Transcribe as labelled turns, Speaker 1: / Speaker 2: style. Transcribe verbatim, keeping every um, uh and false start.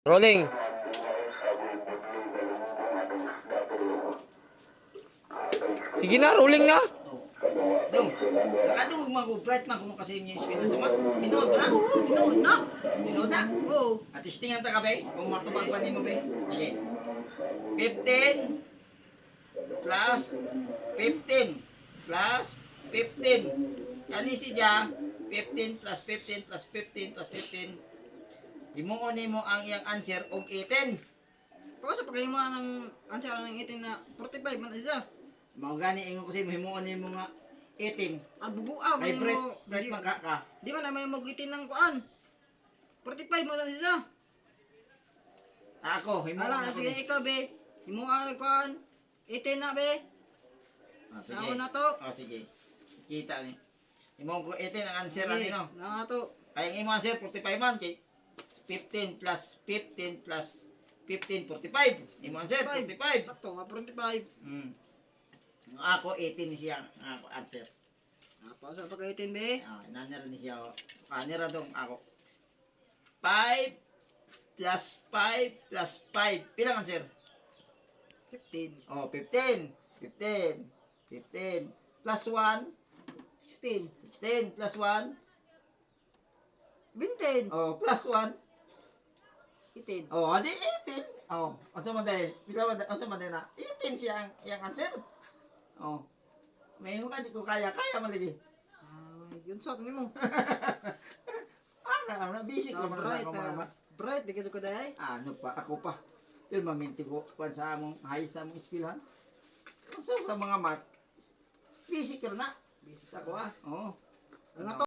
Speaker 1: Rolling. Sige na, rolling na.
Speaker 2: Dong, nakadungog man ko, bright man ko kasi yung eskwela sa mat. Binood na? Oo, binood na. Binood na? Oo. At testingan ta ka, be? Kung matubag pa mo, be? Sige. fifteen plus fifteen plus fifteen. Kani si Ja, fifteen plus fifteen plus fifteen plus fifteen. Himuon nimo ang iyang answer og eighteen.
Speaker 3: Pagka sa pagkain mo ng answer ng eighteen na forty-five man isa.
Speaker 2: Mao gani ingon ko si himuon nimo nga eighteen.
Speaker 3: Ang buguaw
Speaker 2: Kay
Speaker 3: man
Speaker 2: Brett,
Speaker 3: mo.
Speaker 2: Brett
Speaker 3: Di,
Speaker 2: magka ka.
Speaker 3: di man na may mag eighteen ng kuan. forty-five mo lang isa.
Speaker 2: Ako, himuon
Speaker 3: Ala,
Speaker 2: ako.
Speaker 3: sige
Speaker 2: ni-
Speaker 3: ikaw be. Imo ang kuan. eighteen na be.
Speaker 2: Ah, sige.
Speaker 3: Ako na to.
Speaker 2: Ah, sige. Kita ni. Himuon ko eighteen ang answer ani no.
Speaker 3: Na to.
Speaker 2: Ay ang imo answer forty-five man kay fifteen plus fifteen plus fifteen forty-five. Imo answer forty-five.
Speaker 3: Sakto nga forty-five.
Speaker 2: Mm. Ang ako eighteen ni siya ang ako answer.
Speaker 3: Apa sa pagka eighteen be?
Speaker 2: Ah, nanira ni siya. Kanira dong ako. five plus five plus five. Pila ang answer?
Speaker 3: fifteen.
Speaker 2: Oh, fifteen. fifteen. fifteen. Plus one.
Speaker 3: sixteen.
Speaker 2: sixteen. Plus one.
Speaker 3: twenty.
Speaker 2: Oh, plus one.
Speaker 3: eighteen.
Speaker 2: Oh, adi eighteen. Oh, unsa man dai? Pila man unsa man dai na? eighteen siya ang yang answer. Oh. May mo ka di ko kaya, kaya man lagi.
Speaker 3: Ah, yun sa ni mo.
Speaker 2: Ah, na busy ko man
Speaker 3: Bright.
Speaker 2: ako mga
Speaker 3: ah,
Speaker 2: mat.
Speaker 3: Bright di ka ko dai.
Speaker 2: Ano pa ako pa. Pero maminti ko pan sa among high sa among eskwelahan. Unsa sa mga mat? Busy ka na.
Speaker 3: Busy
Speaker 2: Sa ko ah. Oh.
Speaker 3: Ang